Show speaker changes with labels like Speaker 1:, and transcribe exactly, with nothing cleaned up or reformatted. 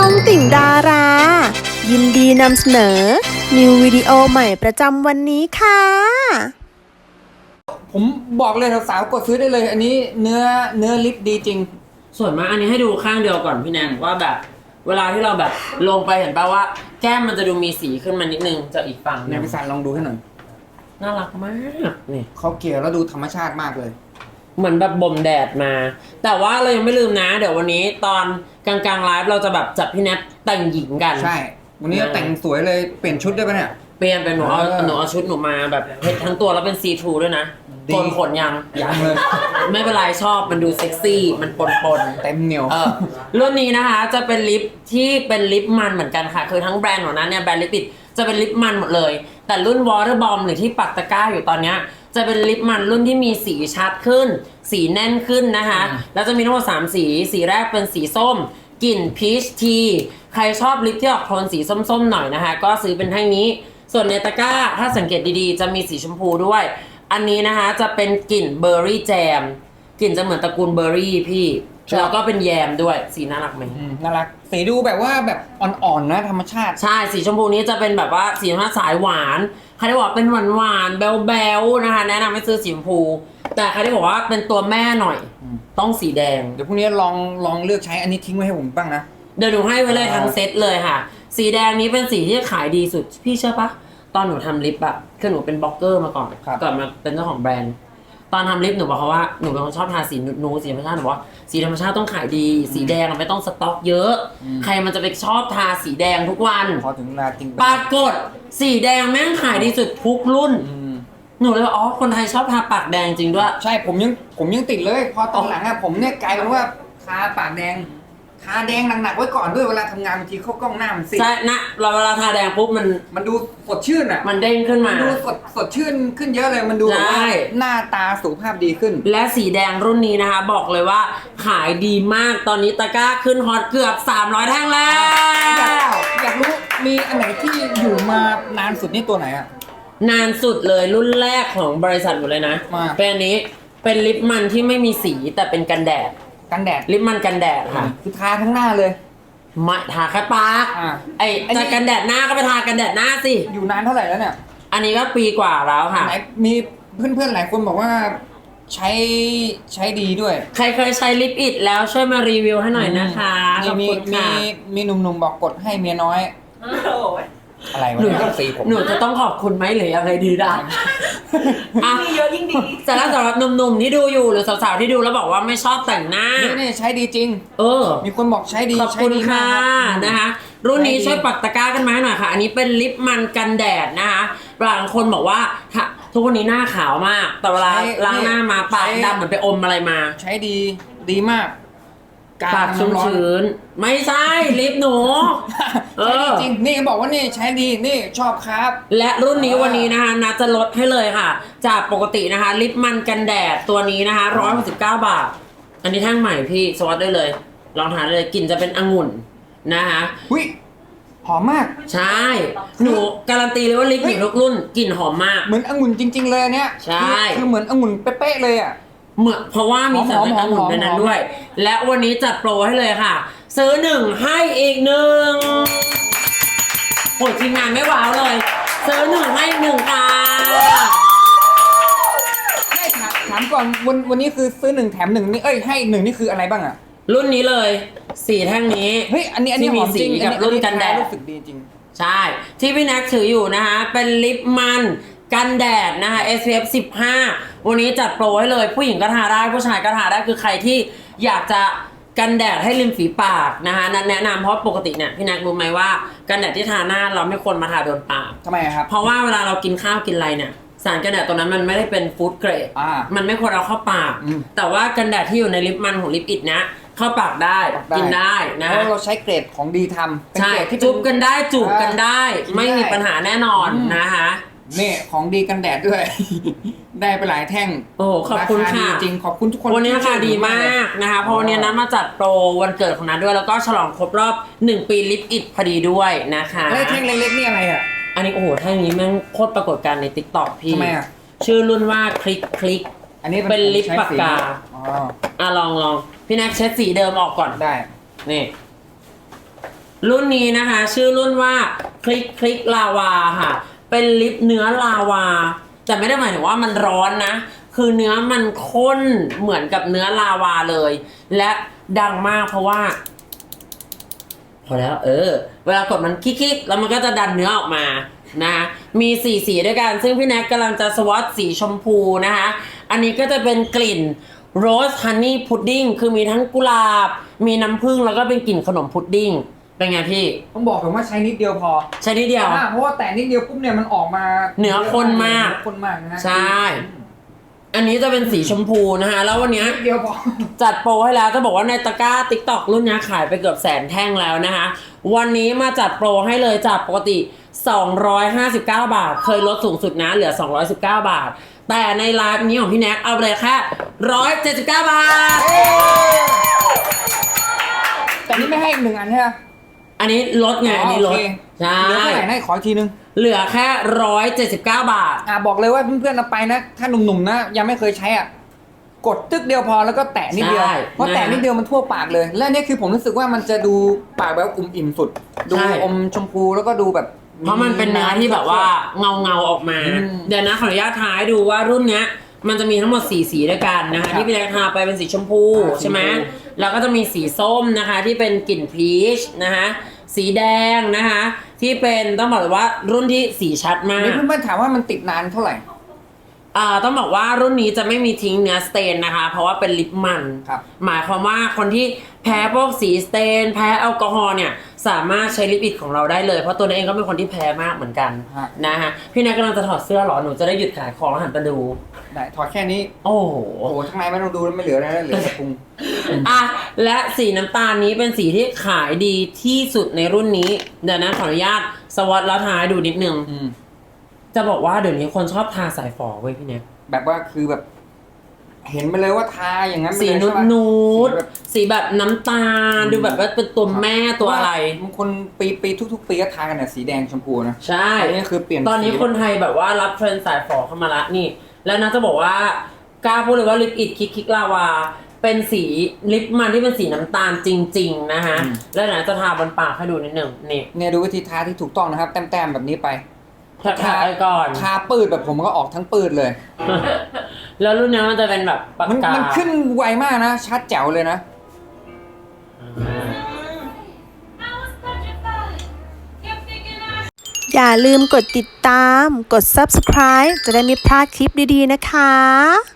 Speaker 1: องติ่งดารา ยินดีนำเสนอ นิววิดีโอใหม่ประจำวันนี้ค่ะ
Speaker 2: ผมบอกเลยสาวๆกดซื้อได้เลย อันนี้เนื้อเนื้อลิปดีจริง
Speaker 3: ส่วนมากอันนี้ให้ดูข้างเดียวก่อนพี่แนนว่าแบบเวลาที่เราแบบลงไปเห็นป่ะว่าแก้มมันจะดูมีสีขึ้นมานิดนึงจากอีกฝั่ง
Speaker 2: ในพิซซ่าลองดูให้หน่อย
Speaker 3: น่ารักมากนี่
Speaker 2: เขาเกลี่ยแล้วดูธรรมชาติมากเลย
Speaker 3: เหมือนแบบบ่มแดดมา แต่ว่าเรายังไม่ลืมนะ เดี๋ยววันนี้ตอนกลางๆไลฟ์เราจะแบบจับพี่แนทแต่งหญิงกัน
Speaker 2: ใช่ วันนี้แต่งสวยเลยเปลี่ยนชุดได้ปะเนี่ย
Speaker 3: เปลี่ยนเป็นหนูเอา
Speaker 2: เออ
Speaker 3: หนูเอาชุดหนูมาแบบเพชรทั้งตัวแล้วเป็นซีทรูด้วยนะ
Speaker 2: ดี
Speaker 3: โกนขนยัง
Speaker 2: ยังเลย
Speaker 3: ไม่เป็นไรชอบมันดูเซ็กซี่มันปนปนๆ
Speaker 2: เต็มเหนียว
Speaker 3: เออรุ่นนี้นะคะจะเป็นลิปที่เป็นลิปมันเหมือนกันค่ะคือทั้งแบรนด์ของนั้นเนี่ยแบรนด์ลิปปิดจะเป็นลิปมันหมดเลยแต่รุ่น Water Bomb หรือที่ปักตะกร้าอยู่ตอนเนี้ยจะเป็นลิปมันรุ่นที่มีสีชัดขึ้น สีแน่นขึ้นนะคะแล้วจะมีทั้งหมดสามสีสีแรกเป็นสีส้มกลิ่นพีชทีใครชอบลิปที่ออกโทนสีส้มๆหน่อยนะคะก็ซื้อเป็นแท่งนี้ส่วนในตะกร้าถ้าสังเกตดีๆจะมีสีชมพูด้วยอันนี้นะคะจะเป็นกลิ่นเบอร์รี่แจมกลิ่นจะเหมือนตระกูลเบอร์รี่พี่แล้วก็เป็นแยมด้วยสีน่ารักไหม
Speaker 2: อืมน่ารักสีดูแบบว่าแบบอ่อนๆนะธรรมชาติ
Speaker 3: ใช่สีชมพูนี้จะเป็นแบบว่าสีธรรมชาติสายหวานใครที่บอกเป็นหวานหวานๆแบลๆนะคะแนะนำให้ซื้อสีชมพูแต่ใครที่บอกว่าเป็นตัวแม่หน่อย
Speaker 2: อืม
Speaker 3: ต้องสีแดง
Speaker 2: เดี๋ยวพรุ่งนี้ลองลองเลือกใช้อันนี้ทิ้งไว้ให้ผมบ้างนะ
Speaker 3: เดี๋ยวหนูให้ไว้เลยทั้งเซตเลยค่ะ สีแดงนี้เป็นสีที่ขายดีสุดพี่เชื่อปะตอนหนูทำลิปอะคือหนูเป็นบล็อกเกอร์มาก่อน
Speaker 2: ครับ
Speaker 3: ก่อนมาเป็นเจ้าของแบรนด์ ตอนทำลิปหนูบอกเขาว่าหนูเป็นคนชอบทาสีนูดๆสีธรรมชาติหนูบอกว่าสีธรรมชาติต้องขายดี สีแดงอะไม่ต้องสต็อกเยอะ ใครมันจะไปชอบทาสีแดงทุกวัน
Speaker 2: พอถึงเวลาจริง
Speaker 3: ปรากฏสีแดงแม่งขายดีสุดทุกรุ่น
Speaker 2: อืม
Speaker 3: หนูเลยว่าอ๋อคนไทยชอบทาปากแดงจริงด้วย
Speaker 2: ใช่ผมยังผมยังติดเลย พอตอนหลังอะผมเนี่ยกลายเป็นว่าทาปากแดงทาแดงหนักๆไว้ก่อนด้วยเวลาทำงานบางทีเข้ากล้องหน้ามันสิ
Speaker 3: ใช่นะเราเวลาทาแดงปุ๊บมัน
Speaker 2: มันดูสดชื่นอะ
Speaker 3: มันเด้งขึ้น
Speaker 2: มั
Speaker 3: มา
Speaker 2: นดูสดสดชื่นขึ้นเยอะเลยมันดูแบบว่า
Speaker 3: ใช่
Speaker 2: หน้าตาสุขภาพดีขึ้น
Speaker 3: และสีแดงรุ่นนี้นะคะ บอกเลยว่าขายดีมากตอนนี้ตะกร้าขึ้นฮอตเกือบสามร้อยแท่งแล้
Speaker 2: อยาก
Speaker 3: ว
Speaker 2: อยากรู้มีอันไหนที่อยู่มานานสุดนี่ตัวไหนอะ
Speaker 3: นานสุดเลยรุ่นแรกของบริษัทหมดเลยนะ
Speaker 2: มา
Speaker 3: เป็นอันนี้เป็นลิปมันที่ไม่มีสีแต่เป็นกันแดด
Speaker 2: กันแดด
Speaker 3: ลิปมันกันแดดค่ะ
Speaker 2: คือทาทั้งหน้าเลย
Speaker 3: ไม่ทาแค่ปาก
Speaker 2: อ่า
Speaker 3: ไอ้
Speaker 2: อันนี้
Speaker 3: จะกันแดดหน้าก็ไปทากันแดดหน้าสิ
Speaker 2: อยู่นานเท่าไหร่แล้วเนี่ย
Speaker 3: อันนี้ก็ปีกว่าแล้วค่ะ
Speaker 2: ไหนมีเพื่อนๆหลายคนบอกว่าใช้ใช้ดีด้วย
Speaker 3: ใครเคยใช้ลิปอิดแล้วช่วยมารีวิวให้หน่อยนะคะขอบ
Speaker 2: มี
Speaker 3: คุณ
Speaker 2: มี
Speaker 3: ค่ะ
Speaker 2: มีหนุ่มๆบอกกดให้เมียน้อย อะไรวะ
Speaker 3: หนู
Speaker 2: เนี่ยสีผม
Speaker 3: หนูจะต้องขอบคุณไหมหรือยังไงดีนะอ่ะ
Speaker 4: มีเยอะยิ่งดี
Speaker 3: แต่แล้วสำหรับหนุ่มๆที่ดูอยู่หรือสาวๆที่ดูแล้วบอกว่าไม่ชอบแต่งหน้า
Speaker 2: นี่นี่ใช้ดีจริง
Speaker 3: เออ
Speaker 2: มีคนบอกใช้ดี
Speaker 3: ขอบ
Speaker 2: ใช้
Speaker 3: คุณ
Speaker 2: ดี
Speaker 3: ค่ะ
Speaker 2: มากรับ
Speaker 3: นะคะ รุ่นนี้
Speaker 2: ใช้ดี
Speaker 3: ช่วยปักตะกร้ากันมาให้หน่อยค่ะ อันนี้เป็นลิปมันกันแดดนะคะบางคนบอกว่าถ้าทุกวันนี้หน้าขาวมาก แต่เวลาล้างหน้ามาปากดำเหมือนไปอมอะไรมา
Speaker 2: ใช้ดีดีมาก
Speaker 3: ปากชุ่ม
Speaker 2: น้ำร้อน
Speaker 3: ชื้นไม่ใช่ลิปหนู เอ
Speaker 2: ใช้ดี
Speaker 3: อ
Speaker 2: จริงนี่บอกว่านี่ใช้ดีนี่ชอบครับ
Speaker 3: และรุ่นนี้วันนี้นะคะนัดจะลดให้เลยค่ะ จากปกตินะคะลิปมันกันแดดตัวนี้นะคะหนึ่งร้อยหกสิบเก้าบาท อันนี้แท่งใหม่พี่สวัสดได้เลย ลองทานได้เลยกลิ่นจะเป็นองุ่นนะคะ
Speaker 2: หุ้ยหอมมาก
Speaker 3: ใช่ หนูการันตีเลยว่าลิปหนูทุกรุ่นกลิ่นหอมมาก
Speaker 2: เหมือนองุ่นจริง ๆ เลยอันเนี้ย
Speaker 3: ใช่
Speaker 2: คือคือเหมือนองุ่นเป๊ะๆเลยอ่ะ
Speaker 3: เหมือนเพราะว่ามีสารเป็นองุ่นในนั้นด้วย และวันนี้จัดโปรให้เลยค่ะ ซื้อหนึ่งให้อีกหนึ่งโหทีมงานไม่ว้าวเลย ซื้อหนึ่งให้อีกหนึ่งค่ะ
Speaker 2: ให้ถามถามก่อนวันวันนี้คือซื้อหนึ่งแถมหนึ่งนี่เอ้ยให้หนึ่งนี่คืออะไรบ้างอ่ะ
Speaker 3: รุ่นนี้เลยสีแท่งนี้
Speaker 2: เฮ้ยอันนี้อันนี้
Speaker 3: ที่
Speaker 2: ห
Speaker 3: มี
Speaker 2: อมจริง
Speaker 3: สีกับ
Speaker 2: อั
Speaker 3: รุ่นกันแดด
Speaker 2: รู้สึกดีจริง
Speaker 3: ใช่ ที่พี่แน็กถืออยู่นะคะเป็นลิปมันกันแดดนะคะ เอส พี เอฟ สิบห้า วันนี้จัดโปรให้เลยผู้หญิงก็ทาได้ผู้ชายก็ทาได้คือใครที่อยากจะกันแดดให้ริมฝีปากนะคะแนะนำเพราะปกติเนี่ยพี่แน็กรู้ไหมว่ากันแดดที่ทาหน้าเราไม่ควรมาทาโดนปาก
Speaker 2: ทำไมอะครับ
Speaker 3: เพราะว่าเวลาเรากินข้าวกินอะไรเนี่ยสารกันแดดตัวนั้นมันไม่ได้เป็นฟู้ดเกรด
Speaker 2: อ่า
Speaker 3: มันไม่ควรเอาเข้าปาก
Speaker 2: อืม
Speaker 3: แต่ว่ากันแดดที่อยู่ในลิปมันของลิปอิดนะเข้าปากได้กินได้นะ
Speaker 2: เพราะเราใช้เกรดของดีทำเป็น
Speaker 3: ใช่
Speaker 2: เกรดที่
Speaker 3: จุบกันได้จูบกันได้
Speaker 2: กินได้
Speaker 3: ไม่มีปัญหาแน่นอน
Speaker 2: อืม
Speaker 3: นะคะ
Speaker 2: นี่ของดีกันแดดด้วย ได้ไปหลายแท่ง
Speaker 3: โอ้ขอบคุณ
Speaker 2: ราา
Speaker 3: ค่ะ
Speaker 2: ดีจริงขอบคุณทุกคน
Speaker 3: วันนี้ราคา
Speaker 2: ที่
Speaker 3: ดี
Speaker 2: ช่วย
Speaker 3: มากนะคะเพราะวันนี้นัดมาจัดโปรวันเกิดของนัดด้วยแล้วก็ฉลองครบรอบหนึ่งปีลิปอิดพอดีด้วยนะคะ
Speaker 2: แล้วไอ้แท่งเล็กๆนี่อะไรอ่ะ
Speaker 3: อันนี้โอ้โหแท่งนี้แม่งโคตรปรากฏการณ์ใน ติ๊กต็อก พี่
Speaker 2: ทำไมอ่ะ
Speaker 3: ชื่อรุ่นว่าคลิกคลิก
Speaker 2: อันนี้
Speaker 3: เป็นลิป
Speaker 2: ใช้
Speaker 3: ปากกา
Speaker 2: สีอ๋อ
Speaker 3: อ่ะลองลองพี่แน็กเช็ดสีเดิมออกก่อน
Speaker 2: ได้
Speaker 3: นี่รุ่นนี้นะคะ ชื่อรุ่นว่าคลิกคลิกลาวาค่ะ เป็นลิปเนื้อลาวา แต่ไม่ได้หมายถึงว่ามันร้อนนะ คือเนื้อมันข้นเหมือนกับเนื้อลาวาเลย และดังมากเพราะว่า พอแล้วเออ เวลากดมันคลิกๆแล้วมันก็จะดันเนื้อออกมานะคะมีสี่สีด้วยกัน ซึ่งพี่แน็กกำลังจะสวอตสีชมพูนะคะ อันนี้ก็จะเป็นกลิ่นโรสฮันนี่พุดดิ้งคือมีทั้งกุหลาบ มีน้ำผึ้งแล้วก็เป็นกลิ่นขนมพุดดิ้งเป็นไงพี่
Speaker 2: ต้องบอกผมว่าใช้นิดเดียวพอ
Speaker 3: ใช่นิดเดียว
Speaker 2: อ่าเพราะว่าแต่นิดเดียวปุ๊บเนี่ยมันออกมา
Speaker 3: เนื้อข้นมาก
Speaker 2: เนื้อข้นมากนะฮะ
Speaker 3: ใช่ อันนี้จะเป็นสีชมพูนะคะแล้ววันเนี้ย
Speaker 2: นิดเดียวพอ
Speaker 3: จัดโปรให้แล้วจะบอกว่าในตะกร้า ติ๊กต็อก รุ่นนี้ขายไปเกือบแสนแท่งแล้วนะคะ วันนี้มาจัดโปรให้เลยจากปกติ สองร้อยห้าสิบเก้า บาท เคยลดสูงสุดนะเหลือ สองร้อยสิบเก้า บาท แต่ในไลฟ์นี้ของพี่แน็กเอาไปเลยแค่หนึ่งร้อยเจ็ดสิบเก้า บาท
Speaker 2: แต่นี่ไม่ให้อีกหนึ่งอันใช่ไหม
Speaker 3: อันนี้ลดไงอันนี้ลด
Speaker 2: โอเค
Speaker 3: ใช่
Speaker 2: เหลือเท่าไหร่นะขออีกทีนึง
Speaker 3: เหลือแค่หนึ่งร้อยเจ็ดสิบเก้า บาท
Speaker 2: อ่าบอกเลยว่าเพื่อนๆเอาไปนะ ถ้าหนุ่มๆนะยังไม่เคยใช้อ่ะกดตึกเดียวพอแล้วก็แตะนิดเดียว
Speaker 3: ใช่
Speaker 2: เพราะแตะนิดเดียวมันทั่วปากเลย และนี่คือผมรู้สึกว่ามันจะดูปากแบบอุ่มอิ่มสุด ดู
Speaker 3: ใช่
Speaker 2: อมชมพูแล้วก็ดูแบบ
Speaker 3: เพราะมันเป็นเนื้อที่แบบว่าเงาเงาๆออกมา
Speaker 2: อืม
Speaker 3: เดี๋ยวนะขออนุญาตท้ายดูว่ารุ่นเนี้ย มันจะมีทั้งหมดสี่สีด้วยกันนะคะ
Speaker 2: ครับ
Speaker 3: ที่พี่แน็กทาไปเป็นสีชมพู
Speaker 2: อ่า
Speaker 3: ใช่ไหม
Speaker 2: สีชมพู
Speaker 3: แล้วก็จะมีสีส้มนะคะที่เป็นกลิ่นพีชนะคะสีแดงนะคะที่เป็นต้องบอกเลยว่ารุ่นที่สีชัดมาก
Speaker 2: นี่เพื่อนๆถามว่ามันติดนานเท่าไหร่
Speaker 3: อ่าต้องบอกว่ารุ่นนี้จะไม่มีทิ้งเนื้อสเตนนะคะ เพราะว่าเป็นลิปมัน
Speaker 2: ครับ
Speaker 3: หมายความว่าคนที่แพ้พวกสีสเตน แพ้แอลกอฮอล์เนี่ยสามารถใช้ลิปอิดของเราได้เลย เพราะตัวนี้เองก็เป็นคนที่แพ้มากเหมือนกัน
Speaker 2: ฮะ
Speaker 3: นะฮะพี่แน็กกำลังจะถอดเสื้อเหรอหนูจะได้หยุดขายของแล้วหันไปดู
Speaker 2: ได้ถอดแค่นี้
Speaker 3: โอ้โห
Speaker 2: โอ้โหข้างในไม่ต้องดูแล้วไม่เหลืออะไรแล้วเหลือแต่พุง
Speaker 3: อ่ะและสีน้ำตาลนี้เป็นสีที่ขายดีที่สุดในรุ่นนี้เดี๋ยวนะขออนุญาตสวอตแล้วทายดูนิดนึง
Speaker 2: อืม
Speaker 3: จะบอกว่าเดี๋ยวนี้คนชอบทาสายฝอเว้ยพี่แน็ก
Speaker 2: แบบว่าคือแบบ เห็นไปเลยว่าทาอย่างนั้นไป
Speaker 3: สี
Speaker 2: เลย
Speaker 3: นูด
Speaker 2: ใช่ปะ
Speaker 3: นูด
Speaker 2: สีแบบ
Speaker 3: สีแบบน้ำตาล
Speaker 2: อืม
Speaker 3: ดูแบบว่าเป็นตัวแม่ตัวอะไร
Speaker 2: บางคนปีปีทุกๆปีก็ทากันเนี่ยสีแดงชมพูนะ
Speaker 3: ใช่
Speaker 2: ตอนนี้คือเปลี่ยน
Speaker 3: ตอนนี้
Speaker 2: สี
Speaker 3: คนไทยแบบว่ารับเทรนด์สายฝอเข้ามาละนี่ แล้วนะจะบอกว่ากล้าพูดเลยว่าลิปอิดคิกคิกลาวา เป็นสีลิปมันที่เป็นสีน้ำตาลจริง ๆ นะฮะ แล้วนะจะทาบนปากให้ดูนิดหนึ่งนี่
Speaker 2: เนี่ยดูวิธีทาที่ถูกต้องนะครับ แต้มๆแบบนี้ไป
Speaker 3: ทาทาไปก่อน
Speaker 2: ทาปืดแบบผมก็ออกทั้งปืดเลย
Speaker 3: แล้วรุ่นนี้มันจะเป็นแบบปาก
Speaker 2: มัน
Speaker 3: กา
Speaker 2: มันขึ้นไวมากนะ ชัดแจ๋วเลยนะ
Speaker 1: อย่าลืมกดติดตาม กด ซับสไครบ์ จะได้ไม่พลาดคลิปดีๆนะคะ